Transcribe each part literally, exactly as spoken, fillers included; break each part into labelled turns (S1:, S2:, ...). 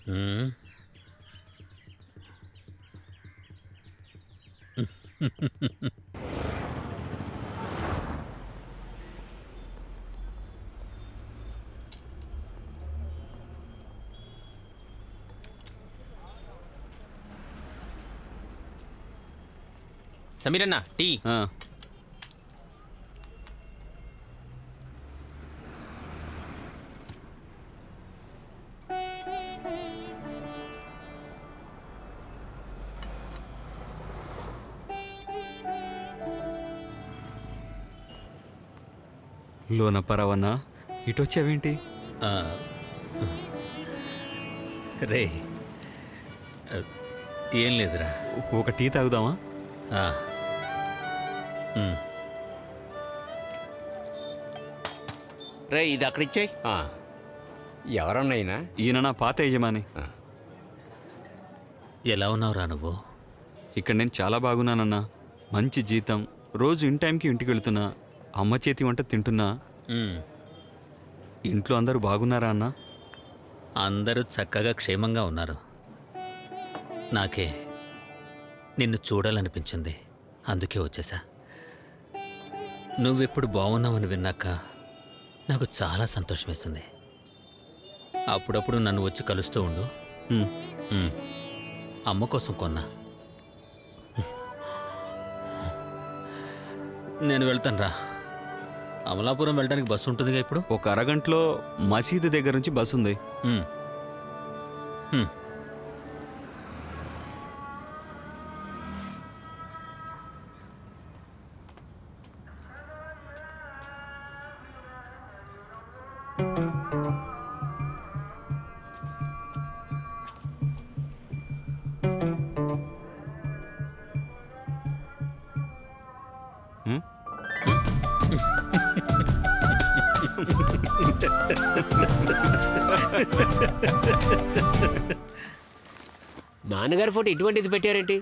S1: సమీరన్న tea.
S2: లోన పరవన్నా ఇటొచ్చావేంటి?
S3: రే ఏం లేదురా,
S2: ఒక టీ తాగుదామా?
S4: రే ఇది అక్కడ ఇచ్చాయి. ఎవరన్నైనా
S2: ఈయన నా పాత యజమాని.
S3: ఎలా ఉన్నావురా నువ్వు?
S2: ఇక్కడ నేను చాలా బాగున్నానన్నా. మంచి జీతం, రోజు ఇన్ టైంకి ఇంటికి వెళుతున్నా, అమ్మ చేతి వంట తింటున్నా. ఇంట్లో అందరూ బాగున్నారా అన్నా?
S3: అందరూ చక్కగా క్షేమంగా ఉన్నారు. నాకే నిన్ను చూడాలనిపించింది, అందుకే వచ్చేసా. నువ్వెప్పుడు బాగున్నావని విన్నాక నాకు చాలా సంతోషం వేస్తుంది. అప్పుడప్పుడు నన్ను వచ్చి కలుస్తూ ఉండు. అమ్మ కోసం కొన్నా. నేను వెళ్తాను రా. అమలాపురం వెళ్ళడానికి బస్సు ఉంటుందిగా ఇప్పుడు?
S2: ఒక అరగంటలో మసీదు దగ్గర నుంచి బస్సు ఉంది.
S5: నాన్నగారి ఫోటో ఇటువంటిది పెట్టారేంటి?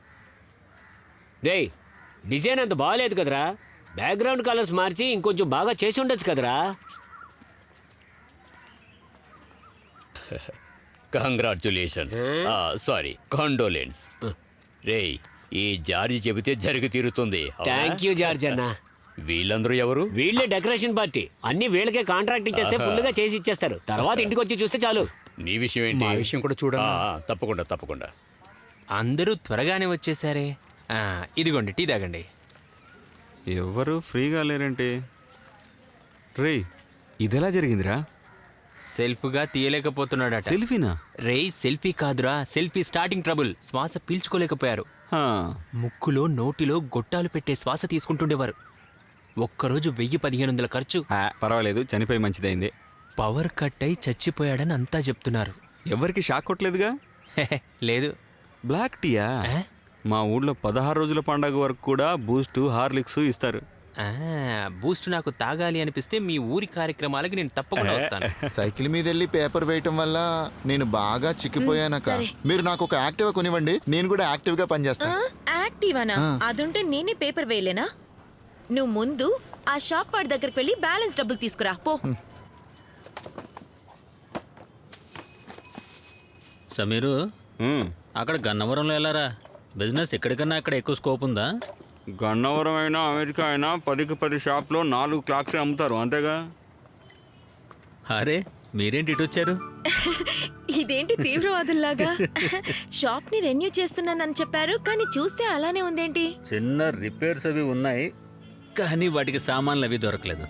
S5: రే డిజైన్ అంత బాగాలేదు కదరా. బ్యాక్గ్రౌండ్ కలర్స్ మార్చి ఇంకొంచెం బాగా చేసి ఉండొచ్చు కదరా.
S4: Congratulations, sorry కాండోలెన్స్. రే ఈ జార్జి చెబితే జరిగి తీరుతుంది.
S5: థ్యాంక్ యూ జార్జ్ అన్న.
S4: వీళ్ళందరూ ఎవరు?
S5: వీళ్ళే డెకరేషన్ పార్టీ. అన్ని వీళ్ళకే కాంట్రాక్ట్ ఇచ్చేస్తే ఫుల్ గా చేసి ఇచ్చేస్తారు. తర్వాత ఇంటికి వచ్చి చూస్తే చాలు.
S4: నీ విషయం ఏంటి?
S1: మా విషయం కూడా చూడండి.
S4: తప్పకుండా తప్పకుండా.
S1: అందరూ త్వరగానే వచ్చేసారే. ఇదిగోండి టీ తాగండి.
S2: ఎవరు ఫ్రీగా లేరంటే? రే ఇదెలా జరిగిందిరా?
S1: సెల్ఫ్గా తీయలేకపోతున్నాడట.
S2: సెల్ఫీనా?
S1: రే సెల్ఫీ కాదురా, సెల్ఫీ స్టార్టింగ్ ట్రబుల్. శ్వాస పీల్చుకోలేకపోయారు. ముక్కులో నోటిలో గొట్టాలు పెట్టే శ్వాస తీసుకుంటుండేవారు. ఒక్కరోజు వెయ్యి పదిహేను వందల ఖర్చు.
S2: పర్వాలేదు, చనిపోయి మంచిదైంది.
S1: పవర్ కట్ అయి చచ్చిపోయాడని అంతా చెప్తున్నారు.
S2: ఎవరికి షాక్ కొట్టలేదుగా?
S1: లేదు.
S2: బ్లాక్ టీయా? మా ఊళ్ళో పదహారు రోజుల పండగ వరకు కూడా బూస్ట్ హార్లిక్స్ ఇస్తారు.
S1: బూస్ట్ నాకు తాగాలి అనిపిస్తే మీ ఊరి కార్యక్రమాలకి నేను తప్పకుండా వస్తాను.
S6: సైకిల్ మీద వెళ్ళి పేపర్ వేయటం వల్ల నేను బాగా చిక్కిపోయానక్క. మీరు నాకు ఒక యాక్టివ్ కొనివ్వండి, నేను కూడా యాక్టివ్ గా పనిచేస్తాను.
S7: యాక్టివానా? అదుంటే నేనే పేపర్ వేయలేనా? నువ్వు ముందు ఆ షాప్ వాడి దగ్గరికి వెళ్ళి బ్యాలెన్స్ డబ్బులు తీసుకురా పో.
S3: సమీరు, అక్కడ గన్నవరంలో వెళ్ళారా? బిజినెస్ ఎక్కడికన్నా అక్కడ ఎక్కువ స్కోప్ ఉందా?
S2: గన్నవరం అయినా అమెరికా అయినా పదికి పది షాప్లో నాలుగు క్లాక్సే అమ్ముతారు, అంతేగా?
S3: అరే మీరేంటి ఇటు వచ్చారు?
S7: ఇదేంటి తీవ్రవాదుల్లాగా? షాప్ ని రెన్యూ చేస్తున్నానని చెప్పారు, కానీ చూస్తే అలానే ఉందేంటి?
S3: చిన్న రిపేర్స్ అవి ఉన్నాయి, కానీ వాటికి సామాన్లు అవి దొరకలేదు.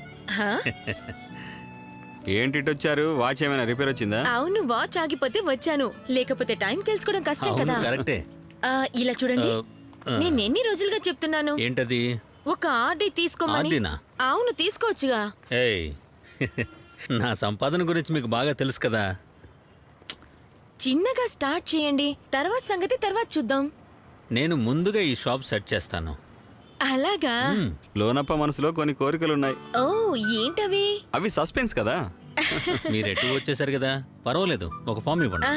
S2: ఏంటి ఇటు వచ్చారు? వాచ్ ఏమైనా రిపేర్ వచ్చిందా?
S7: అవును, వాచ్ ఆగిపోతే వచ్చాను, లేకపోతే టైం తెలుసుకోవడం కష్టం కదా.
S3: కరెక్టే.
S7: ఇలా చూడండి, నేను ఎన్ని రోజులుగా చెప్తున్నాను.
S3: ఏంటది?
S7: ఒక ఆర్డీ తీసుకోమని. అవును తీసుకోవచ్చుగా.
S3: ఏయ్ నా సంపాదన గురించి మీకు బాగా తెలుసు కదా.
S7: చిన్నగా స్టార్ట్ చేయండి, తర్వాత సంగతి తర్వాత చూద్దాం.
S3: నేను ముందుగా ఈ షాప్ సెట్ చేస్తాను.
S7: అలాగా?
S2: లోనప్ప మనసులో కొన్ని కోరికలున్నాయి.
S7: ఓ ఏంటవి?
S2: అవి సస్పెన్స్ కదా.
S3: మీరు ఎటు వచ్చేసారు కదా, పర్వాలేదు, ఒక ఫామ్ ఇవ్వండి.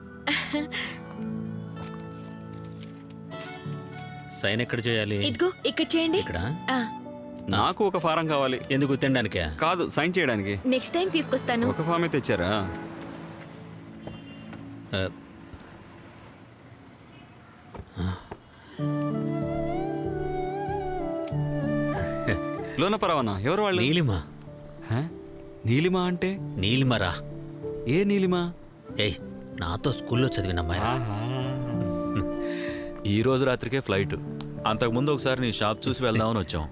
S3: సైన్ ఎక్కడ చేయాలి?
S7: ఇదిగో ఇక్కడ చేయండి.
S3: ఇక్కడ?
S2: నాకు ఒక ఫారం కావాలి.
S3: ఎందుకు, తినడానికే?
S2: కాదు, సైన్ చేయడానికి.
S7: నెక్స్ట్ టైం తీసుకొస్తాను.
S2: ఒక ఫామే తెచ్చారా? లోన పరవానా ఎవరు వాళ్ళు?
S3: నీలిమ.
S2: హ? నీలిమా అంటే
S3: నీలిమరా.
S2: ఏ నీలిమా?
S3: ఏయ్, నాతో స్కూల్లో చదివిన అమ్మాయి.
S8: ఈ రోజు రాత్రికే ఫ్లైట్. అంతకుముందు ఒకసారి నీ షాప్ చూసి వెళ్దామని వచ్చాం.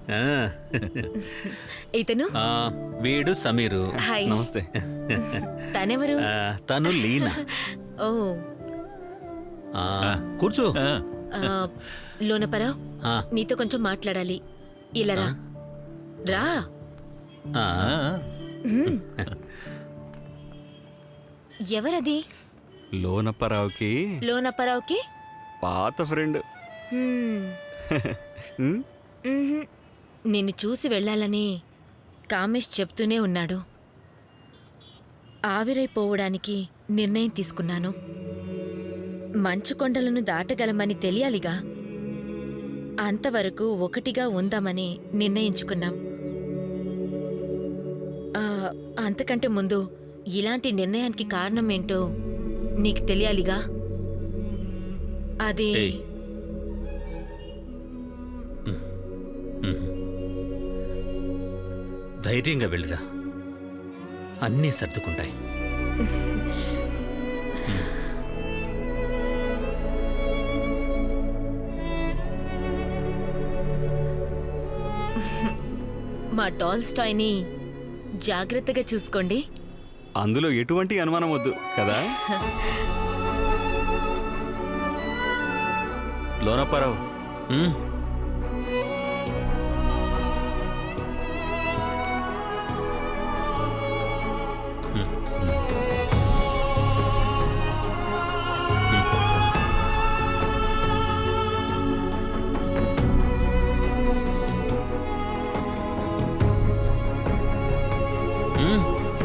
S7: ఇతను
S3: ఆ, వీడు సమీరు.
S7: హాయ్.
S2: నమస్తే.
S7: తనెవరు?
S3: ఆ, తను లీనా.
S7: ఓ
S3: ఆ, కూర్చో.
S8: ఆ,
S7: ఆ, లోనపరావు,
S3: ఆ,
S7: నీతో కొంచెం మాట్లాడాలి. ఇలా రా. రా.
S3: ఆ,
S7: ఎవరది?
S2: లోనప్పరావుకి
S7: లోనపరావుకి
S2: పాత ఫ్రెండ్.
S7: హ్మ్. మ్మ్హ్మ్. నిన్ను చూసి వెళ్ళాలని కామేష్ చెప్తూనే ఉన్నాడు. ఆవిరైపోవడానికి నిర్ణయం తీసుకున్నాను. మంచు కొండలను దాటగలమని తెలియాలిగా. అంతవరకు ఒకటిగా ఉందామని నిర్ణయించుకున్నాం. ఆ, అంతకంటే ముందు ఇలాంటి నిర్ణయానికి కారణం ఏంటో నీకు తెలియాలిగా. అది
S3: ఏయ్. ధైర్యంగా వెళ్ళిరా, అన్నీ సర్దుకుంటాయి.
S7: మా టాల్స్టాయ్ని జాగ్రత్తగా చూసుకోండి.
S2: అందులో ఎటువంటి అనుమానం వద్దు కదా.
S8: లోనప్పారావు,
S3: ఉమ్, ఉమ్.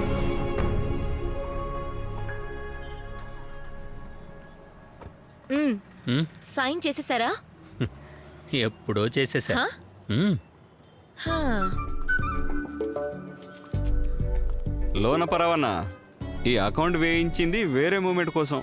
S7: మ్మ్.
S3: ఉమ్,
S7: సైన్ చేసేసారా?
S3: ఎప్పుడో చేసేసా.
S7: హా?
S3: ఉమ్,
S7: హా.
S2: లోనపరవన్న ఈ అకౌంట్ వేయించింది వేరే మూమెంట్ కోసం.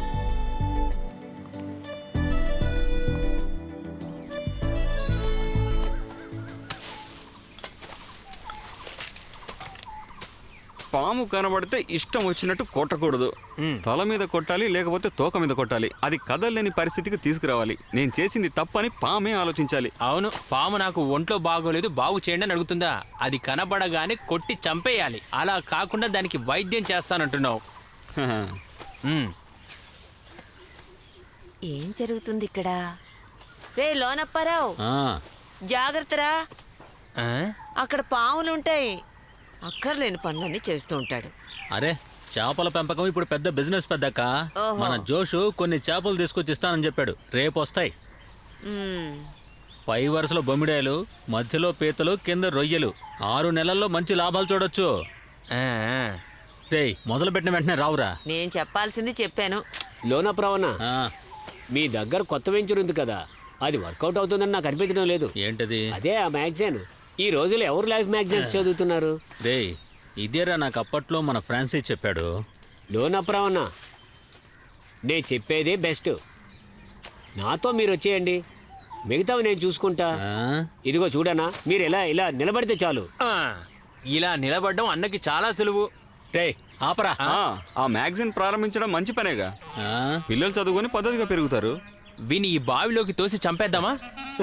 S2: పాము కనబడితే ఇష్టం వచ్చినట్టు కొట్టకూడదు. తల మీద కొట్టాలి, లేకపోతే తోక మీద కొట్టాలి. అది కదలలేని పరిస్థితికి తీసుకురావాలి. నేను చేసింది తప్పని పామే ఆలోచించాలి.
S1: అవును, పాము నాకు ఒంట్లో బాగోలేదు బాగు చేయండి అని అడుగుతుందా? అది కనబడగానే కొట్టి చంపేయాలి. అలా కాకుండా దానికి వైద్యం చేస్తానంటున్నావు. మ్మ్.
S9: ఏం జరుగుతుంది ఇక్కడ? రే లోనప్పారావు,
S3: ఆ,
S9: జాగ్రత్తరా,
S1: ఆ?
S9: అక్కడ పాములుంటాయి. అక్కర్లేని పనులన్నీ చేస్తూ ఉంటాడు.
S3: అరే, చేపల పెంపకం ఇప్పుడు పెద్ద బిజినెస్ పెద్దక్క. మన జోషు కొన్ని చేపలు తీసుకొచ్చి ఇస్తానని చెప్పాడు. రేపు వస్తాయి.
S9: మ్మ్.
S3: పై వరుసలో బొమ్మిడాయలు, మధ్యలో పీతలు, కింద రొయ్యలు. ఆరు నెలల్లో మంచి లాభాలు చూడొచ్చు.
S1: ఆ, ఆ.
S3: రేయ్, మొదలు పెట్టిన వెంటనే రావురా.
S9: నేను చెప్పాల్సింది చెప్పాను.
S5: లోనప్రావణ,
S3: ఆ,
S5: మీ దగ్గర కొత్త వెంచర్ ఉంది కదా, అది వర్కౌట్ అవుతుందని నాకు అనిపించడం లేదు.
S3: ఏంటది?
S5: అదే ఆ మ్యాగజైన్. ఈ రోజులు ఎవరు లైఫ్ మ్యాగజైన్స్ చదువుతున్నారు?
S3: రేయ్, ఇదేరా నాకు అప్పట్లో మన ఫ్రాన్సిస్ చెప్పాడు.
S5: లోనప్రావణ, నేను చెప్పేదే బెస్ట్. నాతో మీరు వచ్చేయండి, మిగతావి నేను చూసుకుంటా.
S3: ఆ?
S5: ఇదిగో చూడనా, మీరు ఇలా ఇలా నిలబడితే చాలు.
S1: ఆ, ఇలా నిలబడడం అన్నకి చాలా సులువు.
S3: రేయ్, ఆపరా.
S2: ఆ, ఆ మ్యాగజైన్ ప్రారంభించడం మంచి పనేగా.
S3: ఆ?
S2: పిల్లలు చదువుకొని పద్ధతిగా పెరుగుతారు.
S1: విని ఈ బావిలోకి తోసి చంపేద్దామా?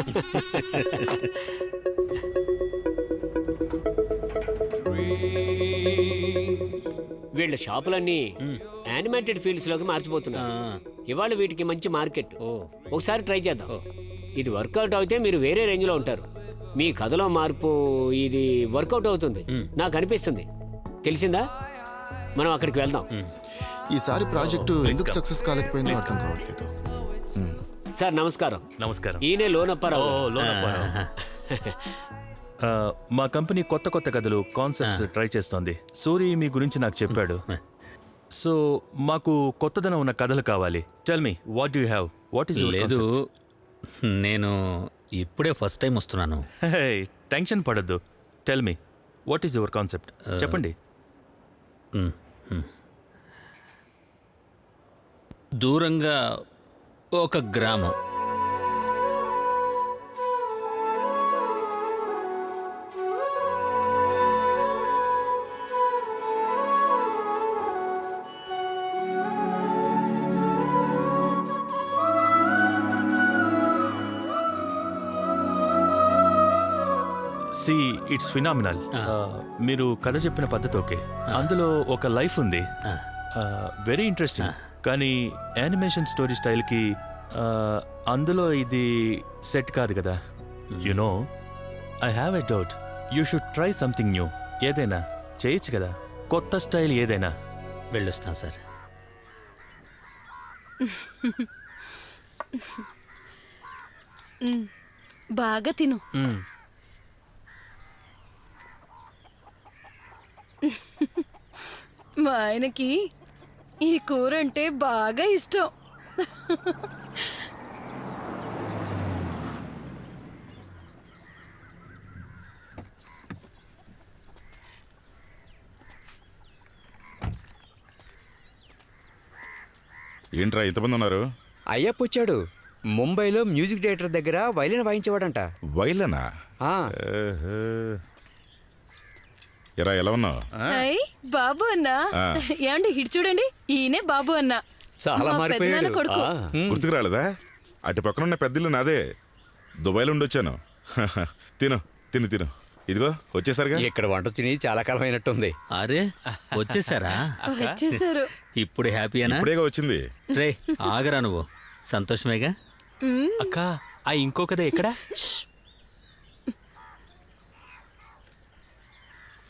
S5: వీళ్ళ షాపులన్నీ యానిమేటెడ్ ఫీల్డ్స్ లోకి మార్చిపోతున్నారు. ఇవాళ వీటికి మంచి మార్కెట్. ఒకసారి ట్రై చేద్దాం. ఇది వర్కౌట్ అయితే మీరు వేరే రేంజ్ లో ఉంటారు. మీ కథలో మార్పు ఇది వర్కౌట్ అవుతుంది నాకు అనిపిస్తుంది. తెలిసిందా? మనం అక్కడికి వెళ్దాం.
S6: ఈసారి ప్రాజెక్టు ఎందుకు సక్సెస్ కాలేకపోయిందో అర్థం కావట్లేదు.
S5: సార్ నమస్కారం.
S8: నమస్కారం.
S5: ఈయనే లోనప్పారావు.
S8: ఓ, లోనప్పారావు. ఆ, మా కంపెనీ కొత్త కొత్త కథలు, కాన్సెప్ట్స్ ట్రై చేస్తోంది. సూరి మీ గురించి నాకు చెప్పాడు. సో మాకు కొత్తదనం ఉన్న కథలు కావాలి. Tell me what you have. What is
S3: లేదు, నేను ఇప్పుడే ఫస్ట్ టైం వస్తున్నాను.
S8: టెన్షన్ పడద్దు. Tell me what is your concept. చెప్పండి.
S3: దూరంగా ఒక గ్రామం.
S8: See it's phenomenal. మీరు కథ చెప్పిన పద్ధతి ఓకే, అందులో ఒక లైఫ్ ఉంది, వెరీ ఇంట్రెస్టింగ్. కానీ యానిమేషన్ స్టోరీ స్టైల్కి అందులో ఇది సెట్ కాదు కదా. You know, I have a doubt. You should try something new. ఏదైనా చేయొచ్చు కదా, కొత్త స్టైల్ ఏదైనా.
S3: వెళ్ళొస్తాం సార్.
S10: బాగా తిను. మా ఆయనకి ఈ కూర అంటే బాగా ఇష్టం.
S11: ఏంట్రా ఇంతమంది ఉన్నారు?
S12: అయ్యప్ప వచ్చాడు. ముంబైలో మ్యూజిక్ డైరెక్టర్ దగ్గర వైలిన్ వాయించేవాడంట.
S11: వైలనా?
S12: ఆ.
S11: ఎరా ఎలా ఉన్నావు?
S10: అయ్ బాబు అన్నా. ఏమండి ఇటు చూడండి, ఈయనే బాబు అన్న.
S12: చాలా
S10: మా
S12: మారిపోయాడు.
S10: పెద్దనాన్న కొడుకు.
S12: ఆ.
S11: గుర్తుకు రాలేదా? అటు పక్కన ఉన్న పెద్దిల్లు నాదే. దుబాయ్లో ఉండొచ్చాను. తిను తిను తిను. ఇదిగో వచ్చేసరిగా.
S12: ఇక్కడ వంట తిని చాలా కాలం అయినట్టుంది.
S3: అరే వచ్చేసారా?
S10: వచ్చేసారు.
S3: ఇప్పుడు హ్యాపీయేనా?
S11: ఇప్పుడేగా వచ్చింది.
S3: రే ఆగరా నువ్వు. సంతోషమేగా?
S1: అక్క, ఆ ఇంకో కథ ఎక్కడా?
S10: ష్,